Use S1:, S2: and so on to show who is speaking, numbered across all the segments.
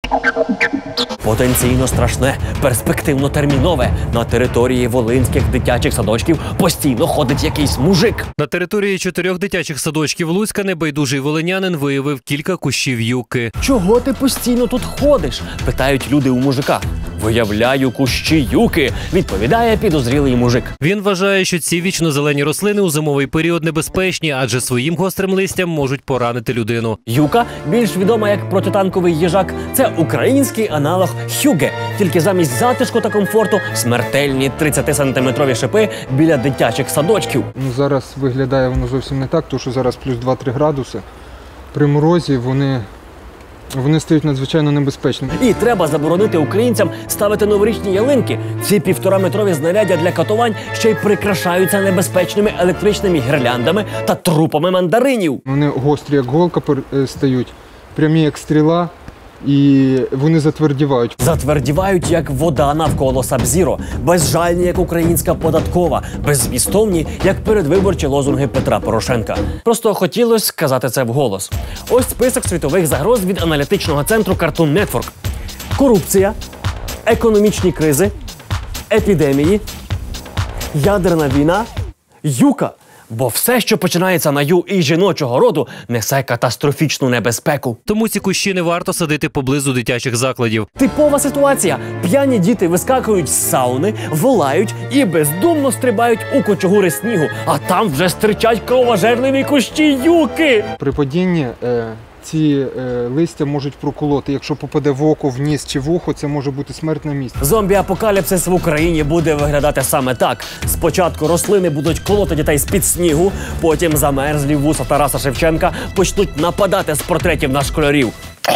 S1: Потенційно страшне, перспективно-термінове. На території волинських дитячих садочків постійно ходить якийсь мужик.
S2: На території 4 дитячих садочків Луцька небайдужий волинянин виявив кілька кущів юки.
S1: «Чого ти постійно тут ходиш?» – питають люди у мужика. «Виявляю кущі юки», – відповідає підозрілий мужик.
S2: Він вважає, що ці вічнозелені рослини у зимовий період небезпечні, адже своїм гострим листям можуть поранити людину.
S1: Юка, більш відома як протитанковий їжак, це український аналог хюге. Тільки замість затишку та комфорту смертельні 30-сантиметрові шипи біля дитячих садочків.
S3: Зараз виглядає воно зовсім не так, тому що зараз плюс 2-3 градуси. При морозі вони стають надзвичайно небезпечними.
S1: І треба заборонити українцям ставити новорічні ялинки. Ці 1,5-метрові знаряддя для катувань ще й прикрашаються небезпечними електричними гірляндами та трупами мандаринів.
S3: Вони гострі, як голка, стають, прямі, як стріла, і вони затвердівають.
S1: Затвердівають, як вода навколо Саб-Зіро, безжальні, як українська податкова, беззмістовні, як передвиборчі лозунги Петра Порошенка. Просто хотілося сказати це вголос. Ось список світових загроз від аналітичного центру Cartoon Network. Корупція, економічні кризи, епідемії, ядерна війна, юка. Бо все, що починається на ю і жіночого роду, несе катастрофічну небезпеку.
S2: Тому ці кущі не варто садити поблизу дитячих закладів.
S1: Типова ситуація. П'яні діти вискакують з сауни, волають і бездумно стрибають у кучугури снігу. А там вже стирчать кровожерливі кущі юки.
S3: При падінні ці листя можуть проколоти. Якщо попаде в око, в ніс чи в ухо, це може бути смерть на місці.
S1: Зомбі-апокаліпсис в Україні буде виглядати саме так. Спочатку рослини будуть колоти дітей з-під снігу, потім замерзлі вуса Тараса Шевченка почнуть нападати з портретів на школярів.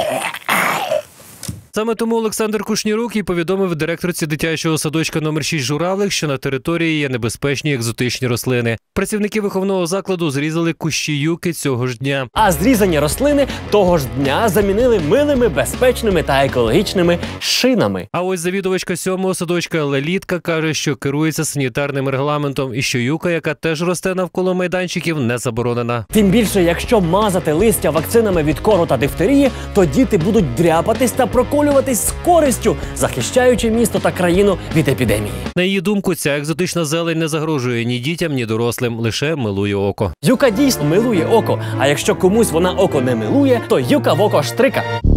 S2: Саме тому Олександр Кушнірук і повідомив директорці дитячого садочка номер 6 «Журавлик», що на території є небезпечні екзотичні рослини. Працівники виховного закладу зрізали кущі юки цього ж дня.
S1: А зрізані рослини того ж дня замінили милими, безпечними та екологічними шинами.
S2: А ось завідувачка 7-го садочка Лелітка каже, що керується санітарним регламентом і що юка, яка теж росте навколо майданчиків, не заборонена.
S1: Тим більше, якщо мазати листя вакцинами від кору та дифтерії, то діти будуть дряпатись та проколюватись з користю, захищаючи місто та країну від епідемії.
S2: На її думку, ця екзотична зелень не загрожує ні дітям, ні дорослим, лише милує око.
S1: Юка дійсно милує око, а якщо комусь вона око не милує, то юка в око штрика.